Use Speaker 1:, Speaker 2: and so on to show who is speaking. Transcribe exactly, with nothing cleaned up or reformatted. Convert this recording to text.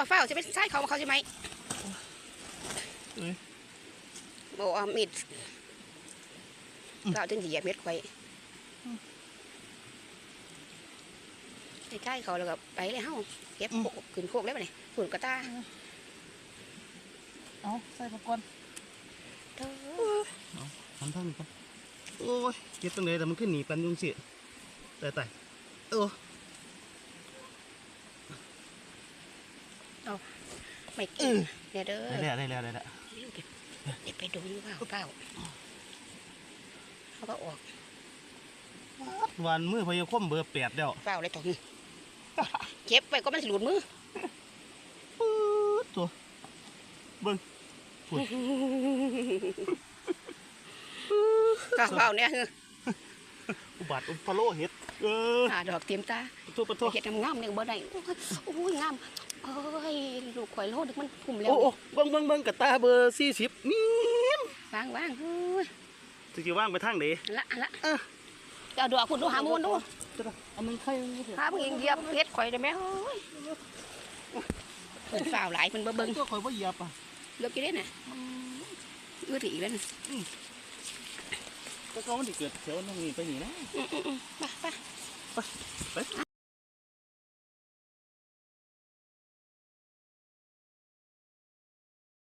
Speaker 1: เฝ้าจะเป็นใช่เขาเขาใช่ไหมโอ้มิดเราถึงเหยียบเม็ดไว้ใช่เขาแล้วก็ไปเลยเฮ้าเก็บโขกขึ้นโคกได้ไหมเนี่ยฝุ่นกระตา
Speaker 2: เอาใส่ผักก่อนทำท่านี้ก่อนโอ้ยเก็บตรงไหนแต่มันขึ้นหนีปันยุงสิแต่แต่เออ
Speaker 1: เอาไม่กินเนี่ยเด้อ
Speaker 2: ได้แล้วได้แล้วได้แล้ว
Speaker 1: เก็บไปดูเปล่าเปล่าเขาก็ออก
Speaker 2: วันมือพยาคมเบอร์แปดเดียว
Speaker 1: เปล่าเลยตรงนี้เก็บไปก็มันหลุดมือ
Speaker 2: ตัวเบิ้ง
Speaker 1: ก็เปล่าเนี่ย
Speaker 2: อุบัติอุปโลเห็ดเออ
Speaker 1: หาดอกเตรียมตา
Speaker 2: ตัวตัว
Speaker 1: เห็ดงามเนี่ยบ่ได้โอ้ยงามเอ้ยลูกข่อยโลดมันพุ่มแล้ว
Speaker 2: โอ้เบิ้งเบิ้งเบิ้งกระตาเบอร์สี่สิบนี่
Speaker 1: วางวางเฮ้ย
Speaker 2: จะจะว่างไปทางไหน
Speaker 1: ละละเอาดอกคุณดูหามูลดู
Speaker 2: อันนึงใคร
Speaker 1: หาเพิ่งเหยียบเห็ดข่อยได้ไหมเฮ้ยเป็นฝ่าวหลายเป็นเบิ้ง
Speaker 2: ตัวข่อยว่าเหยียบอ่ะ
Speaker 1: เหยียบกี่เด้น่ะอื้อถี่แล้วน่ะ
Speaker 2: ก็เขามันจะเกิดแถวนั้นนี่ไปหนีนะ